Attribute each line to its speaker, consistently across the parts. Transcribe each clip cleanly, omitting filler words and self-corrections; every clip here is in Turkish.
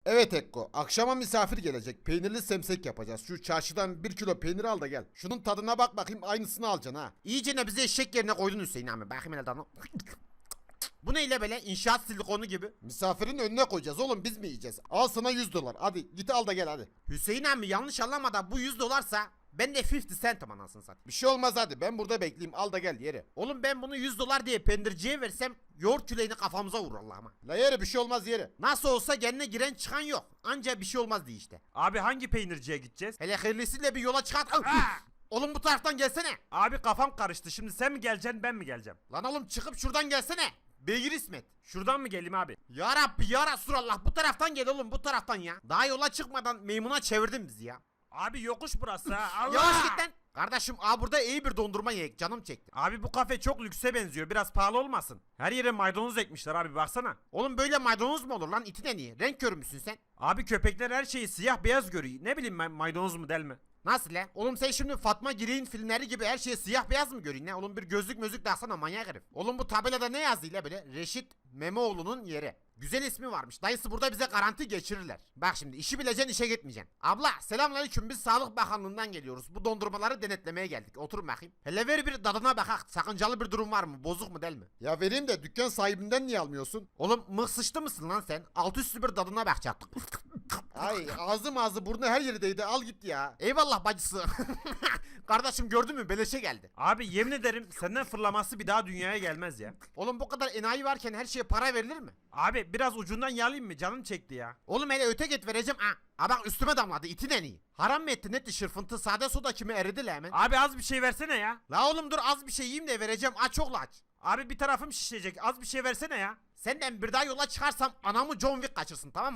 Speaker 1: Evet Ekko, akşama misafir gelecek. Peynirli semsek yapacağız. Şu çarşıdan 1 kilo peynir al da gel. Şunun tadına bak bakayım, aynısını alacaksın ha.
Speaker 2: İyice ne bize eşek yerine koydun Hüseyin abi. Bakayım hele danı. Bu neyle böyle inşaat silikonu gibi?
Speaker 1: Misafirin önüne koyacağız oğlum, biz mi yiyeceğiz? Al sana 100 dolar. Hadi git al da gel hadi.
Speaker 2: Hüseyin abi yanlış anlamadan bu 100 dolarsa ben de 50 centim anasını satayım.
Speaker 1: Bir şey olmaz hadi, ben burada bekleyeyim, al da gel yere.
Speaker 2: Oğlum ben bunu 100 dolar diye pendirciye versem yoğurt küleğini kafamıza vurur Allah'ıma.
Speaker 1: La yere, bir şey olmaz yere.
Speaker 2: Nasıl olsa kendine giren çıkan yok. Anca bir şey olmaz diye işte.
Speaker 3: Abi hangi peynirciye gideceğiz?
Speaker 2: Hele hayırlısıyla bir yola çıkart. Oğlum bu taraftan gelsene.
Speaker 3: Abi kafam karıştı. Şimdi sen mi geleceksin ben mi geleceğim?
Speaker 2: Lan oğlum çıkıp şuradan gelsene. Beygir İsmet.
Speaker 3: Şuradan mı geleyim abi?
Speaker 2: Ya Rabbi ya Resulallah, bu taraftan gel oğlum, bu taraftan ya. Daha yola çıkmadan meymuna çevirdin bizi ya.
Speaker 3: Abi yokuş burası ha. Allah!
Speaker 2: Yavaş git lan. Kardeşim burada iyi bir dondurma yiyek, canım çekti.
Speaker 3: Abi bu kafe çok lükse benziyor. Biraz pahalı olmasın. Her yere maydanoz ekmişler abi baksana.
Speaker 2: Oğlum böyle maydanoz mu olur lan, itin en iyi. Renk körü müsün sen?
Speaker 3: Abi köpekler her şeyi siyah beyaz görüyor. Ne bileyim ben maydanoz mu del mi?
Speaker 2: Nasıl lan? Oğlum sen şimdi Fatma Girik'in filmleri gibi her şeye siyah beyaz mı görüyorsun ne? Oğlum bir gözlük mözlük taksana manyak herif. Oğlum bu tabelada ne yazdı ile böyle? Reşit Memoğlu'nun yeri. Güzel ismi varmış. Dayısı burada bize garanti geçirirler. Bak şimdi işi bileceksin, işe gitmeyeceksin. Abla selamünaleyküm, biz Sağlık Bakanlığı'ndan geliyoruz. Bu dondurmaları denetlemeye geldik. Oturun bakayım. Hele ver bir tadına bakak. Sakıncalı bir durum var mı? Bozuk mu değil mi?
Speaker 1: Ya vereyim de dükkan sahibinden niye almıyorsun?
Speaker 2: Oğlum mıh sıçtı mısın lan sen? Alt üstü bir tadına bakacaktık.
Speaker 1: Ay ağzı burnu her yerdeydi, al git ya.
Speaker 2: Eyvallah bacısı. Kardeşim gördün mü, beleşe geldi.
Speaker 3: Abi yemin ederim senden fırlaması bir daha dünyaya gelmez ya.
Speaker 2: Oğlum bu kadar enayi varken her şeye para verilir mi?
Speaker 3: Abi biraz ucundan yalayayım mı? Canım çekti ya.
Speaker 2: Oğlum hele öte git vereceğim ha. Ha bak üstüme damladı, itin en iyi. Haram mı etti netti şırfıntı, sade soda kimi eridi la hemen.
Speaker 3: Abi az bir şey versene ya.
Speaker 2: La oğlum dur, az bir şey yiyeyim de vereceğim, aç ol aç.
Speaker 3: Abi bir tarafım şişecek. Az bir şey versene ya.
Speaker 2: Senden bir daha yola çıkarsam anamı John Wick kaçırsın, tamam mı?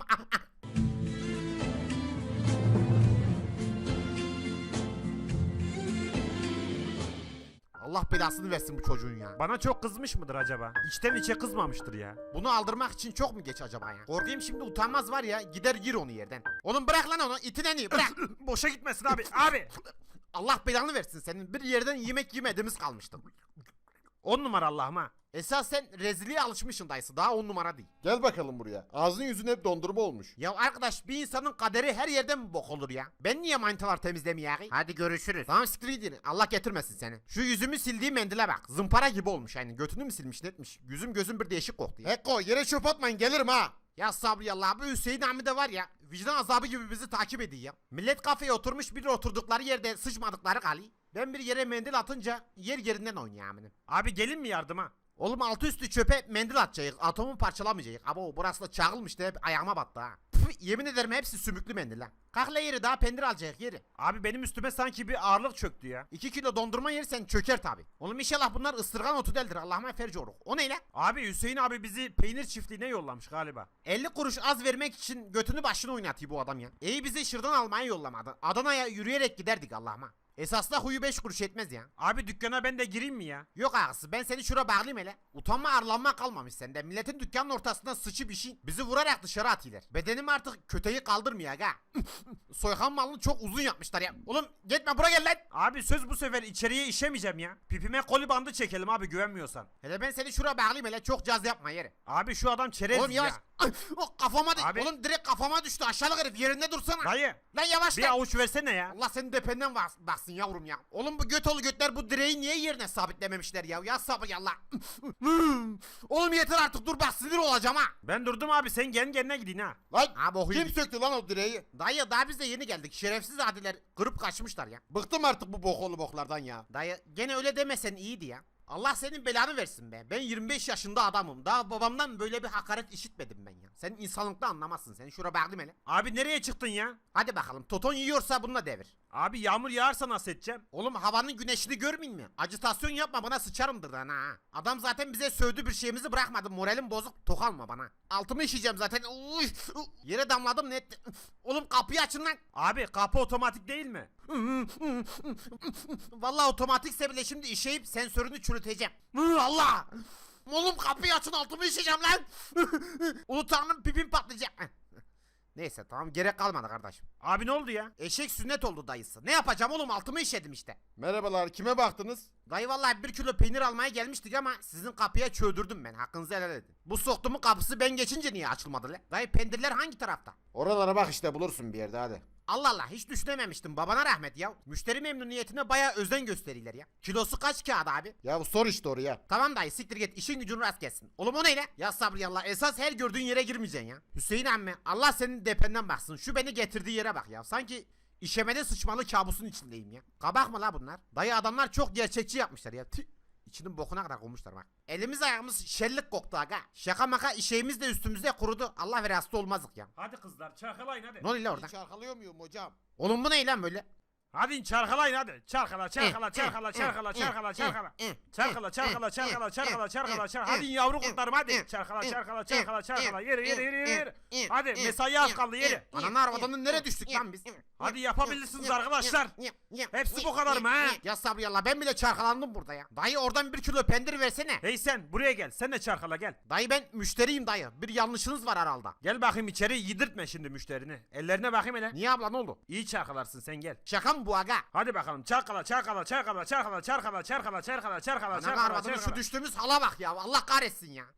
Speaker 2: Allah belasını versin bu çocuğun ya.
Speaker 3: Bana çok kızmış mıdır acaba? İçten içe kızmamıştır ya.
Speaker 2: Bunu aldırmak için çok mu geç acaba ya? Korkayım şimdi utanmaz var ya, gider gir onu yerden. Oğlum bırak lan onu, itin en iyi bırak.
Speaker 3: Boşa gitmesin abi. Abi.
Speaker 2: Allah belanı versin senin, bir yerden yemek yemediğimiz kalmıştı.
Speaker 3: 10 numara Allah'ım ha.
Speaker 2: Esas sen rezilliğe alışmışsın dayısı, daha 10 numara değil.
Speaker 1: Gel bakalım buraya. Ağzın yüzün hep dondurma olmuş.
Speaker 2: Ya arkadaş, bir insanın kaderi her yerden mi bok olur ya? Ben niye manitalar temizlemeyeyim? Hadi görüşürüz. Tamam siktir gidin. Allah getirmesin seni. Şu yüzümü sildiği mendile bak. Zımpara gibi olmuş yani. Götünü mü silmiş netmiş. Yüzüm gözüm bir değişik koktu ya.
Speaker 1: Ekko yere çöp atmayın, gelirim ha.
Speaker 2: Ya sabri Allah, bu Hüseyin Ami de var ya, vicdan azabı gibi bizi takip ediyor ya. Millet kafeye oturmuş, bir oturdukları yerde sıçmadıkları kali. Ben bir yere mendil atınca yer yerinden oynuyor aminin.
Speaker 3: Abi gelin mi yardıma?
Speaker 2: Oğlum altı üstü çöpe mendil atacağız. Atomu parçalamayacağız. Abo burası da çağılmıştı, hep ayağıma battı ha. Püf, yemin ederim hepsi sümüklü mendil ha. Kalk la yeri, daha pendir alacak yeri.
Speaker 3: Abi benim üstüme sanki bir ağırlık çöktü ya.
Speaker 2: 2 kilo dondurma yersen çöker tabi. Oğlum inşallah bunlar ıstırgan otu değildir, Allah'ıma ferci oruk. O ne lan?
Speaker 3: Abi Hüseyin abi bizi peynir çiftliğine yollamış galiba.
Speaker 2: 50 kuruş az vermek için götünü başını oynatıyor bu adam ya. İyi bizi şırdan almaya yollamadı. Adana'ya yürüyerek giderdik Allah'ıma. Esasında huyu 5 kuruş etmez ya.
Speaker 3: Abi dükkana ben de gireyim mi ya?
Speaker 2: Yok ağası, ben seni şura bağlayayım hele. Utanma arlanma kalmamış sende. Milletin dükkanın ortasında sıçı bir şey. Bizi vurarak dışarı atıyorlar. Bedenim artık köteyi kaldırmıyor aga. Soykan malını çok uzun yapmışlar ya. Oğlum gitme, buraya gel lan.
Speaker 3: Abi söz bu sefer içeriye işemeyeceğim ya. Pipime koli bandı çekelim abi güvenmiyorsan.
Speaker 2: Hele ben seni şura bağlayayım hele, çok caz yapma yeri.
Speaker 3: Abi şu adam çerez
Speaker 2: Oğlum yavaş.
Speaker 3: ya.
Speaker 2: Oh, kafama
Speaker 3: Abi.
Speaker 2: Oğlum direkt kafama düştü, aşağılık herif, yerinde dursana.
Speaker 3: Dayı
Speaker 2: Lan yavaş
Speaker 3: bir
Speaker 2: lan.
Speaker 3: avuç versene ya.
Speaker 2: Allah senin dependen baksın yavrum ya. Oğlum bu göt oğlu götler bu direği niye yerine sabitlememişler ya? Ya sabır ya Allah. Oğlum yeter artık, dur bak sinir olacağım ha.
Speaker 3: Ben durdum abi sen kendi kendine gidin ha.
Speaker 1: Lan
Speaker 2: Ha, boku
Speaker 1: kim
Speaker 2: yedik.
Speaker 1: söktü lan o direği?
Speaker 2: Dayı daha biz de yeni geldik. Şerefsiz adiler kırıp kaçmışlar ya.
Speaker 1: Bıktım artık bu bokolu boklardan ya.
Speaker 2: Dayı gene öyle demesen iyiydi ya. Allah senin belanı versin be. Ben 25 yaşında adamım. Daha babamdan böyle bir hakaret işitmedim ben ya. Sen insanlıkta anlamazsın. Seni şura bağlayayım hele.
Speaker 3: Abi nereye çıktın ya?
Speaker 2: Hadi bakalım. Toton yiyorsa bununla devir.
Speaker 3: Abi yağmur yağarsa nasıl edeceğim?
Speaker 2: Oğlum havanın güneşini görmeyin mi? Acitasyon yapma, bana sıçarımdır lan ha. Adam zaten bize sövdü, bir şeyimizi bırakmadı. Moralim bozuk. Tokalma bana. Altımı işeyeceğim zaten. Uy, yere damladım net. Oğlum kapıyı açın lan.
Speaker 3: Abi kapı otomatik değil mi?
Speaker 2: Vallahi otomatikse bile şimdi işeyip sensörünü çürüteceğim. Allah! Oğlum kapıyı açın, altımı işeyeceğim lan. Ulu tanrım, pipim patlayacak. Neyse tamam gerek kalmadı kardeşim.
Speaker 3: Abi ne oldu ya?
Speaker 2: Eşek sünnet oldu dayısı. Ne yapacağım oğlum altımı işedim işte.
Speaker 1: Merhabalar, kime baktınız?
Speaker 2: Dayı vallahi 1 kilo peynir almaya gelmiştik ama sizin kapıya çöldürdüm ben. Hakkınızı helal edin. Bu soktumun kapısı ben geçince niye açılmadı le? Dayı peynirler hangi tarafta?
Speaker 1: Oralara bak işte, bulursun bir yerde, hadi.
Speaker 2: Allah Allah hiç düşünememiştim babana rahmet ya. Müşteri memnuniyetine baya özen gösterirler ya. Kilosu kaç kağıt abi?
Speaker 1: Ya sor işte oraya.
Speaker 2: Tamam dayı siktir git işin gücün rast gelsin. Oğlum o neyle? Ya sabri Allah esas her gördüğün yere girmeyeceksin ya. Hüseyin emmi Allah senin dependen baksın. Şu beni getirdiği yere bak ya. Sanki işemede sıçmalı kabusun içindeyim ya. Kabak mı la bunlar? Dayı adamlar çok gerçekçi yapmışlar ya. Tüh. İçinin bokuna kadar koymuşlar bak. Elimiz ayağımız şellik koktu aga. Şaka maka işeğimiz de üstümüzde kurudu. Allah ver hasta olmazdık ya.
Speaker 3: Hadi kızlar çarkalayın hadi.
Speaker 2: Ne oluyor la orada?
Speaker 1: Çarkalıyor muyum hocam?
Speaker 2: Oğlum bu ne lan böyle?
Speaker 3: Hadi çarkalayın hadi. Çarkala çarkala çarkala çarkala çarkala çarkala. Çarkala çarkala çarkala çarkala çarkala çarkala. Hadi yavru kurtlarım hadi. Çarkala çarkala çarkala çarkala. Yürü yürü yürü yürü. Hadi mesai az kaldı yürü.
Speaker 2: Ananı arabadan nereye düştük lan biz?
Speaker 3: Hadi yapabilirsiniz arkadaşlar. Hepsi bu kadar mı ha?
Speaker 2: Ya sabri Allah ben bile çarkalandım burada ya. Dayı oradan 1 kilo pendir versene.
Speaker 3: Hey sen buraya gel. Sen de çarkala gel.
Speaker 2: Dayı ben müşteriyim dayı. Bir yanlışınız var herhalde.
Speaker 3: Gel bakayım içeri yedirtme şimdi müşterini. Ellerine bakayım hele.
Speaker 2: Niye abla ne oldu?
Speaker 3: İyi çarkalarsın sen gel.
Speaker 2: Şaka mı bu aga?
Speaker 3: Hadi bakalım çarkala çarkala çarkala çarkala çarkala çarkala çarkala çarkala
Speaker 2: Ananı
Speaker 3: çarkala
Speaker 2: arabadan şu
Speaker 3: çarkala.
Speaker 2: düştüğümüz hala bak ya. Allah kahretsin ya.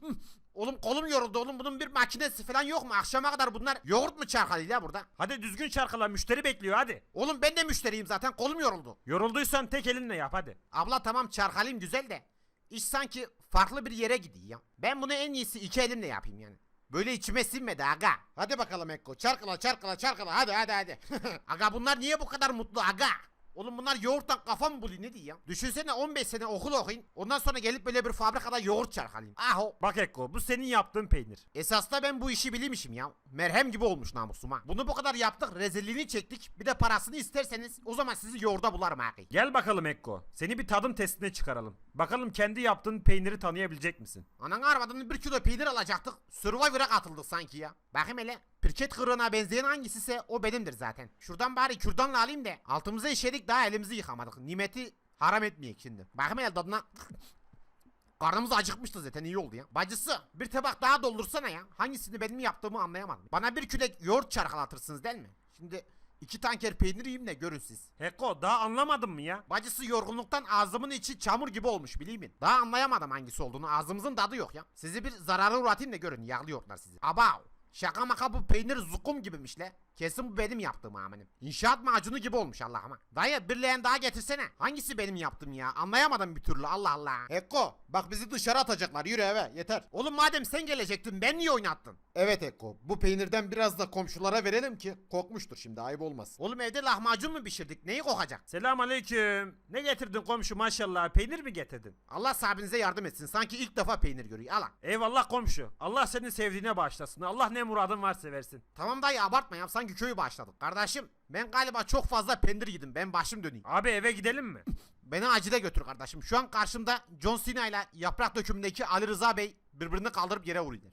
Speaker 2: Oğlum kolum yoruldu oğlum. Bunun bir makinesi falan yok mu? Akşama kadar bunlar yoğurt mu çarkalıyor ya burada?
Speaker 3: Hadi düzgün çarkala müşteri bekliyor hadi.
Speaker 2: Oğlum ben de müşteriyim zaten. Kolum yoruldu.
Speaker 3: Yorulduysan tek elinle yap hadi.
Speaker 2: Abla tamam çarkalayım güzel de. İş sanki farklı bir yere gidiyor ya. Ben bunu en iyisi 2 elimle yapayım yani. Böyle içime sinmedi aga.
Speaker 1: Hadi bakalım Ekko, çarkala çarkala çarkala, hadi hadi hadi.
Speaker 2: Aga bunlar niye bu kadar mutlu aga? Oğlum bunlar yoğurttan kafa mı buluyor ne diyor ya? Düşünsene 15 sene okul okuyun. Ondan sonra gelip böyle bir fabrikada yoğurt çarkalayayım. Aho.
Speaker 3: Bak Ekko bu senin yaptığın peynir.
Speaker 2: Esas da ben bu işi bilmişim ya. Merhem gibi olmuş namusuma. Bunu bu kadar yaptık, rezilliğini çektik. Bir de parasını isterseniz o zaman sizi yoğurda bularım abi.
Speaker 3: Gel bakalım Ekko. Seni bir tadım testine çıkaralım. Bakalım kendi yaptığın peyniri tanıyabilecek misin?
Speaker 2: Ananı arabadan 1 kilo peynir alacaktık. Survivor'a katıldık sanki ya. Bakayım hele. Pirket kırığına benzeyen hangisiyse o benimdir zaten. Şuradan bari kürdanla alayım da altımıza işedik daha elimizi yıkamadık. Nimeti haram etmeyek şimdi. Bakayım hele tadına. Karnımız acıkmıştı zaten iyi oldu ya. Bacısı bir tabak daha doldursana ya. Hangisini benim yaptığımı anlayamadım. Bana 1 kilo yoğurt çarkalatırsınız değil mi? Şimdi 2 tanker peynir yiyeyim de görün siz.
Speaker 3: Ekko daha anlamadın mı ya?
Speaker 2: Bacısı yorgunluktan ağzımın içi çamur gibi olmuş bileyim mi? Daha anlayamadım hangisi olduğunu. Ağzımızın tadı yok ya. Sizi bir zarara uğratayım da görün yağlıyorlar sizi. Abav. Şaka maka bu peynir zukum gibiymiş le. Kesin bu benim yaptığım amenim. İnşaat macunu gibi olmuş Allah'ıma. Dayı bir leğen daha getirsene. Hangisi benim yaptığım ya? Anlayamadım bir türlü Allah Allah.
Speaker 1: Ekko, bak bizi dışarı atacaklar, yürü eve, yeter.
Speaker 2: Oğlum madem sen gelecektin ben niye oynattın?
Speaker 1: Evet Ekko, bu peynirden biraz da komşulara verelim ki kokmuştur şimdi, ayıp olmasın.
Speaker 2: Oğlum evde lahmacun mu pişirdik? Neyi kokacak?
Speaker 3: Selam aleyküm. Ne getirdin komşu maşallah? Peynir mi getirdin?
Speaker 2: Allah sahibinize yardım etsin. Sanki ilk defa peynir görüyor. Al.
Speaker 3: Eyvallah komşu. Allah seni sevdiğine bağışlasın. Allah ne muradın varsa versin.
Speaker 2: Tamam dayı abartma ya. Sanki köyü başladık. Kardeşim ben galiba çok fazla peynir yedim. Ben başım döneyim.
Speaker 3: Abi eve gidelim mi?
Speaker 2: Beni acile götür kardeşim. Şu an karşımda John Cena ile yaprak dökümündeki Ali Rıza Bey birbirini kaldırıp yere vuruyor.